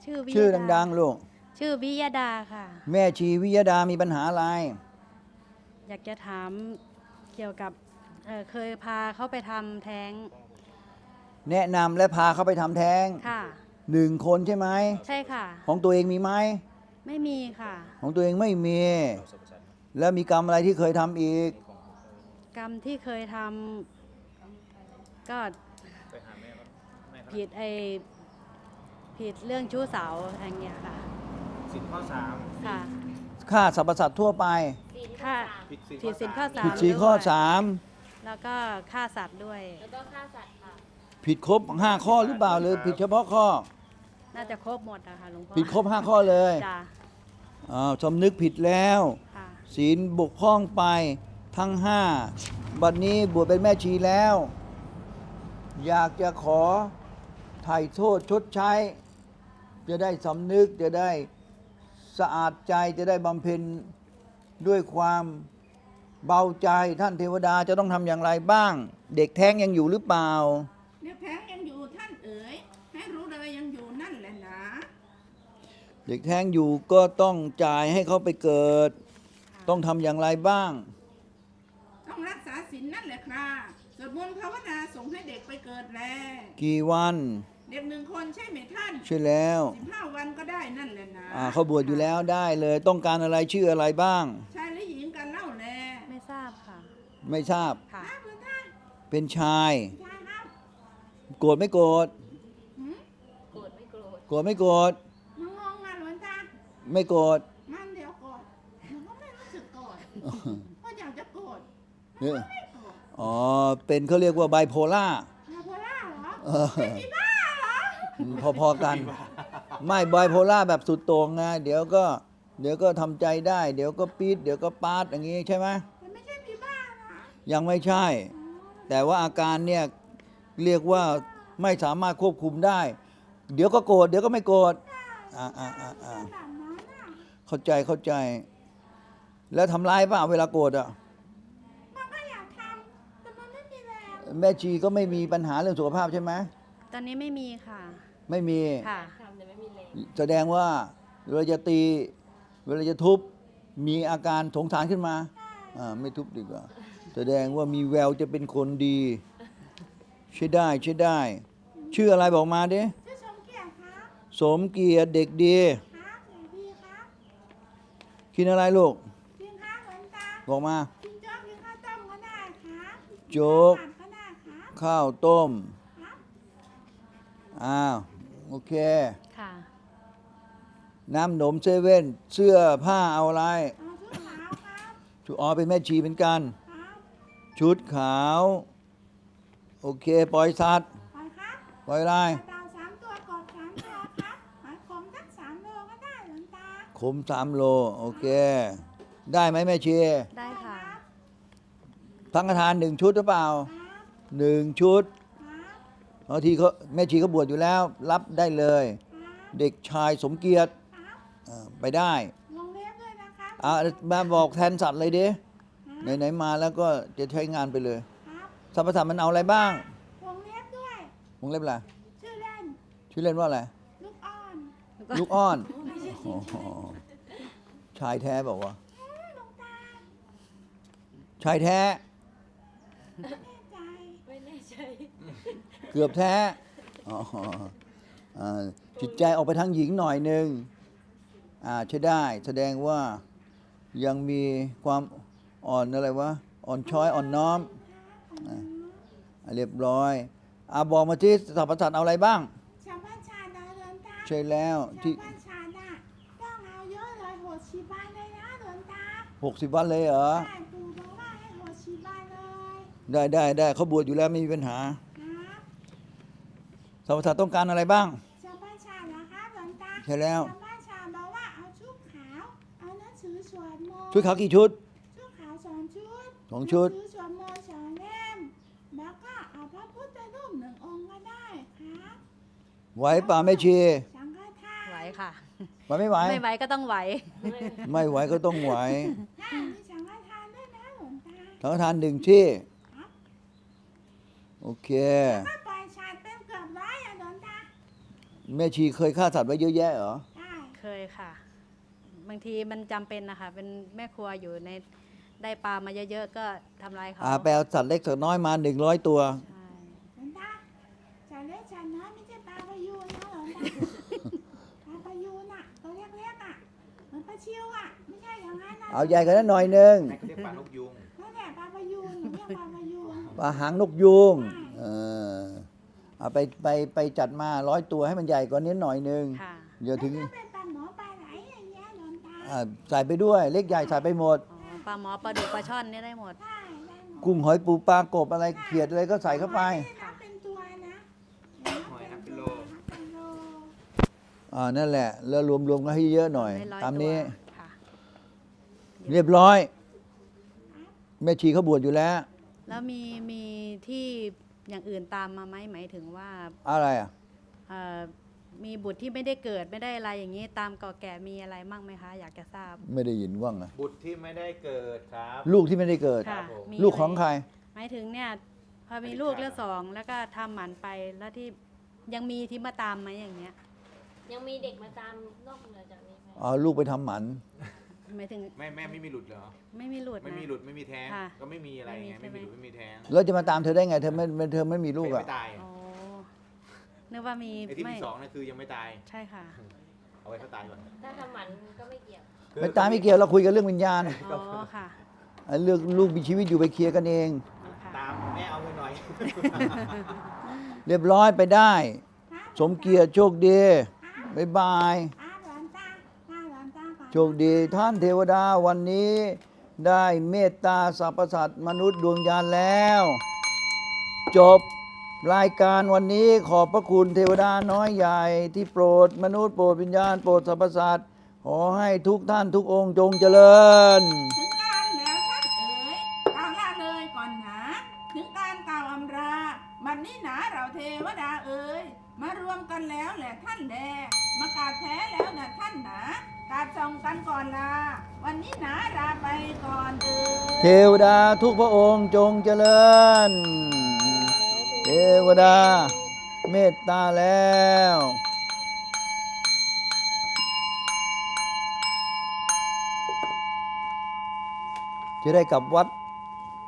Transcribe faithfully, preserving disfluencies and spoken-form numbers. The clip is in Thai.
ชื่อวิยดาชื่อดังๆลูกชื่อวิยดาค่ะแม่ชีวิยดามีปัญหาอะไรอยากจะถามเกี่ยวกับเเคยพาเขาไปทำแท้งแนะนำและพาเขาไปทำแท้งค่ะหนึ่งคนใช่ไหมใช่ค่ะของตัวเองมีไหมไม่มีค่ะของตัวเองไม่มีแล้วมีกรรมอะไรที่เคยทำอีกกรรมที่เคยทำก็ผิดไอผิดเรื่องชู้สาวอย่างเงี้ยค่ะสินข้อสามค่ะฆ่าสรรพสัตว์ทั่วไปฆ่าผิดสินข้อสามผิดสี่ข้อสามแล้วก็ฆ่าสัตว์ด้วยแล้วก็ฆ่าสัตว์ค่ะผิดครบห้าข้อหรือเปล่าหรือผิดเฉพาะข้อน่าจะครบหมดอะค่ะหลวงพ่อผิดครบห้าข้อเลยจ้ะอ้าวสำนึกผิดแล้วศีลบกพร่องไปทั้งห้าบัดนี้บวชเป็นแม่ชีแล้ว อยากจะขอไถ่โทษชดใช้ จะได้สำนึกจะได้สะอาดใจจะได้บำเพ็ญด้วยความเบาใจท่านเทวดาจะต้องทำอย่างไรบ้าง เด็กแท้งยังอยู่หรือเปล่าเด็กแท้งยังอยู่ท่านเอ๋ยให้รู้เลยยังอยู่นั่นแหละนะเด็กแท้งอยู่ก็ต้องจ่ายให้เขาไปเกิด ต้องทำอย่างไรบ้างต้องรักษาศีลนั่นแหละครับสวดมนต์ภาวนาส่งให้เด็กไปเกิดแลกี่วันเด็กหนึ่งคนใช่ไหมท่านใช่แล้วสิบห้าวันก็ได้นั่นแหละนะอ่าเขาบวชอยู่แล้วได้เลยต้องการอะไรชื่ออะไรบ้างชายหรือหญิงกันเล่าแลไม่ทราบค่ะไม่ทราบค่ะเป็นชายชายครับโกรธไม่โกรธโกรธไม่โกรธโกรธไม่โกรธมันงงงานหลวงตาไม่โกรธมันเดี๋ยวโกรธมันก็ไม่รู้สึกโกรธก็อยากจะโกรธเนี่ยอ๋อเป็นเขาเรียกว่าไบโพล่าไบโพล่าเหรอเป็นอีบ้าเหรอพอๆกันไม่ไบโพล่าแบบสุดโต่งไงเดี๋ยวก็เดี๋ยวก็ทำใจได้เดี๋ยวก็ปี๊ดเดี๋ยวก็ปาดอย่างงี้ใช่ไหมมันไม่ใช่อีบ้านะยังไม่ใช่แต่ว่าอาการเนี่ยเรียกว่าไม่สามารถควบคุมได้เดี๋ยวก็โกรธเดี๋ยวก็ไม่โกรธอ่าอ่าอ่าอ่าเข้าใจเข้าใจแล้วทำร้ายเปล่าเวลาโกรธอ่ะมันก็อยากทำแต่มันไม่มีแรงแม่ชีก็ไม่มีปัญหาเรื่องสุขภาพใช่ไหมตอนนี้ไม่มีค่ะไม่มีค่ะทำแต่ไม่มีแรงแสดงว่าเวลาจะตีเวลาจะทุบมีอาการสงสารขึ้นมาอ่าไม่ทุบดีกว่าแสดงว่ามีแววจะเป็นคนดีใช่ได้ใช่ได้ชื่ออะไรบอกมาดิชื่อสมเกียรติครับสมเกียรติเด็กดีครับเด็กดีครับกินอะไรลูกกินข้าวเหมือนตาบอกมากินโจ๊กกินข้าวต้มก็ได้ครับโจ๊กข้าวต้มอ้าวโอเคค่ะน้ำหนมเซเว่นเสื้อผ้าเอาอะไรเอาชุดขาวครับชุดอ๋อเป็นแม่ชีเป็นกันชุดขาวโอเคปล่อยสัตว์ปล่อยครับปล่อยอะไรเต่าสามตัวกบสามตัวครับหอยขมสักสามโลก็ได้หลวงตาขมสามโลโอเคได้ไหมแม่ชีได้ค่ะสังฆทานหนึ่งชุดหรือเปล่าหนึ่งชุดบางทีเขาแม่ชีเขาบวชอยู่แล้วรับได้เลยเด็กชายสมเกียรติไปได้วงเล็บด้วยนะครับอ่ามาบอกแทนสัตว์เลยดิไหนๆมาแล้วก็จะใช้งานไปเลยสรรพสัตว์มันเอาอะไรบ้างวงเล็บด้วยวงเล็บอะไรชื่อเล่นชื่อเล่นว่าอะไรลูกอ้อนลูกอ้อนชายแท้บอกว่าชายแท้ไม่แน่ใจเกือบแท้จิตใจออกไปทางหญิงหน่อยหนึ่งอ่าใช่ได้แสดงว่ายังมีความอ่อนอะไรวะอ่อนช้อยอ่อนน้อมเรียบร้อยอ่าบอกมาที่สรรพสัตว์เอาอะไรบ้างชาวบ้านชาดาเดินตาใช่แล้วที่ชาวบ้านชาดาต้องเอาเยอะเลยหกสิบวันเลยนะเดินตาหกสิบวันเลยเหรอใช่ปู่บอกว่าให้หกสิบวันเลยได้ได้ได้เขาบวชอยู่แล้วไม่มีปัญหาสรรพสัตว์ต้องการอะไรบ้างชาวบ้านชาเหรอคะเดินตาใช่แล้วชาวบ้านชาบอกว่าเอาชุดขาวเอาหนังสือสวดมนต์ชุดขาวกี่ชุดชุดขาวสองชุดสองชุดสวดมนต์สองเล่มแล้วก็เอาพระพุทธรูปหนึ่งองค์ก็ได้ครับไหวป่าแม่ชีสังฆทานไหวค่ะไหวไม่ไหวไม่ไหวก็ต้องไหวไม่ไหวก็ต้องไหวมีสังฆทานด้วยนะหลวงตาสังฆทานหนึ่งที่โอเคก็ปล่อยชาติเป็นเกือบร้อยอะหลวงตาแม่ชีเคยฆ่าสัตว์ไว้เยอะแยะเหรอได้เคยค่ะ บางทีมันจำเป็นนะคะ เป็นแม่ครัวอยู่ในได้ปลามาเยอะๆก็ทำลายเขาอ่าไปเอาสัตว์เล็กสัตว์น้อยมาหนึ่งร้อยตัวใช่หลวงตาจะเล็กจะน้อยไม่ใช่ปลาพายูนนะหลวงตา ปลาพายูนอ่ะตัวเล็กๆอ่ะเหมือนปลาชิวอ่ะไม่ใช่อย่างนั้นนะเอาใหญ่กว่านั้นหน่อยหนึงแม่เขาเรียกปลานกยุงนั่นแหละปลาพายูนหนูเรียกปลาพายูนปลาหางนกยูงเออเอาไปไปไปจัดมาร้อยตัวให้มันใหญ่กว่านี้หน่อยหนึงค่ะเดี๋ยวถึงแล้วถ้าเป็นปลาหมอปลาไหลอย่างเงี้ยหลวงตาอ่าใส่ไปด้วยเล็กใหญ่ใส่ไปหมดอ๋อปลาหมอปลาดุกปลาช่อนนี่ได้หมดได้ได้หมดกุ้งหอยปูปลากบอะไรเขียดอะไรก็ใส่เข้าไปไม่ได้นับเป็นตัวนะหอยนับเป็นโลนับเป็นโลอ่านั่นแหละ แล้วรวมๆกันให้เยอะหน่อยได้ร้อยตามตัวนี้ค่ะเรียบร้อย แม่ชีเขาบวชอยู่แล้วแล้วมีมีที่อย่างอื่นตามมาไหมหมายถึงว่าอะไรอ่ะเอ่อมีบุตรที่ไม่ได้เกิดไม่ได้อะไรอย่างนี้ตามก่อแก่มีอะไรมั่งไหมคะ อยากจะทราบไม่ได้ยินว่างอ่ะบุตรที่ไม่ได้เกิดครับลูกที่ไม่ได้เกิดค่ะผมมีลูกของใครหมายถึงเนี่ยพอมีลูกแล้วสองแล้วก็ทำหมันไปแล้วที่ยังมีที่มาตามไหมอย่างเงี้ยยังมีเด็กมาตามนอกเหนือจากนี้ไหมอ๋อลูกไปทำหมันหมายถึงแม่แม่ไม่มีหลุดเหรอไม่มีหลุดนะไม่มีหลุดไม่มีแท้งค่ะก็ไม่มีอะไรไงไม่ไม่มีมีหลุดไม่มีแท้งแล้วจะมาตามเธอได้ไง เธอไม่เธอไม่มีลูกอ่ะไม่ตายอ๋อนึกว่ามีไอ้ที่ไม่มีสองนั่นคือยังไม่ตายใช่ค่ะเอาไว้เขาตายก่อนถ้าทำหมันก็ไม่เกี่ยวไม่ตายไม่เกี่ยวเราคุยกันเรื่องวิญญาณอ๋อค่ะไอ้เรื่องลูกมีชีวิตอยู่ไปเคลียร์กันเองอ๋อค่ะตามแม่เอาเงินหน่อยเรียบร้อยไปได้ครับสมเกียรติโชคดีบ๊ายบายอ่าหลวงตาอ่าหลวงตาก่อนโชคดีท่านเทวดาวันนี้ได้เมตตาสรรพสัตว์มนุษย์ดวงญาณแล้ว จบรายการวันนี้ขอบพระคุณเทวดาน้อยใหญ่ที่โปรดมนุษย์โปรดวิญญาณโปรดสรรพสัตว์ขอให้ทุกท่านทุกองค์จงเจริญถึงการแล้วท่านเอ๋ยกล่าวลาเลยก่อนหนาถึงการกล่าวอำราบัดนี้หนาเราเทวดาเอ๋ยมารวมกันแล้วแหละท่านแลมากราบแท้แล้วนะท่านหนากราบส่องกันก่อนลาวันนี้หนาลาไปก่อนเอ๋ยเทวดาทุกพระองค์จงเจริญ เทวดาเมตตาแล้ว จะได้กลับวัด